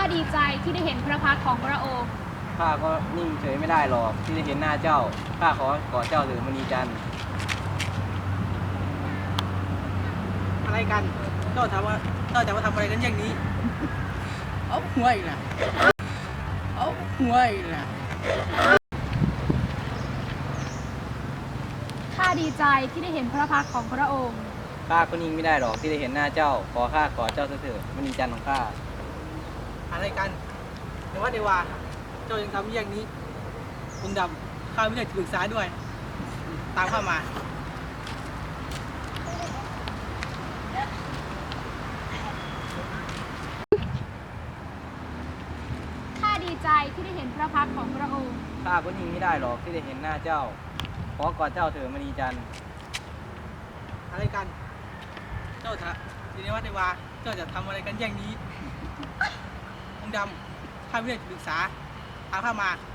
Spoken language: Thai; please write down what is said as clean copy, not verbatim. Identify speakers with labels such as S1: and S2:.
S1: ดีใจที่ได้เห็นพระพักตร์ของพระองค์
S2: ข้าก็นิ่งเฉยไม่ได้หรอกที่ได้เห็นหน้าเจ้าข้าขอกอดเจ้าเถิดมณีจันทร์
S3: อะไรกันเจ้าถามว่าเจ้าจะมาทำอะไรกันอย่างนี้เอาหัวอีกนะเอาหัวอีกนะ
S1: ข้าดีใจที่ได้เห็นพระพักตร์ของพระองค์
S2: ข้าก็นิ่งไม่ได้หรอกที่ได้เห็นหน้าเจ้าขอข้ากอดเจ้าเถิดมณีจันทร์ของข้า
S3: อะไรกันแต่ว่าเดวาเจ้ายังทำอย่างนี้องค์ดำข้าไม่ได้ปรึกษาด้วยตามข้ามา
S1: ข้าดีใจที่ได้เห็นพระพักตร์ของพระองค์
S2: ข้าก็นิ่งไม่ได้หรอกที่ได้เห็นหน้าเจ้าขอกอดเจ้าเถิดมณีจันทร์
S3: อะไรกันเจ้าถามทีนี้ว่าเดวาเจ้าจะทำอะไรกันอย่างนี้องค์ดำข้าไม่ได้ปรึกษาตามข้ามา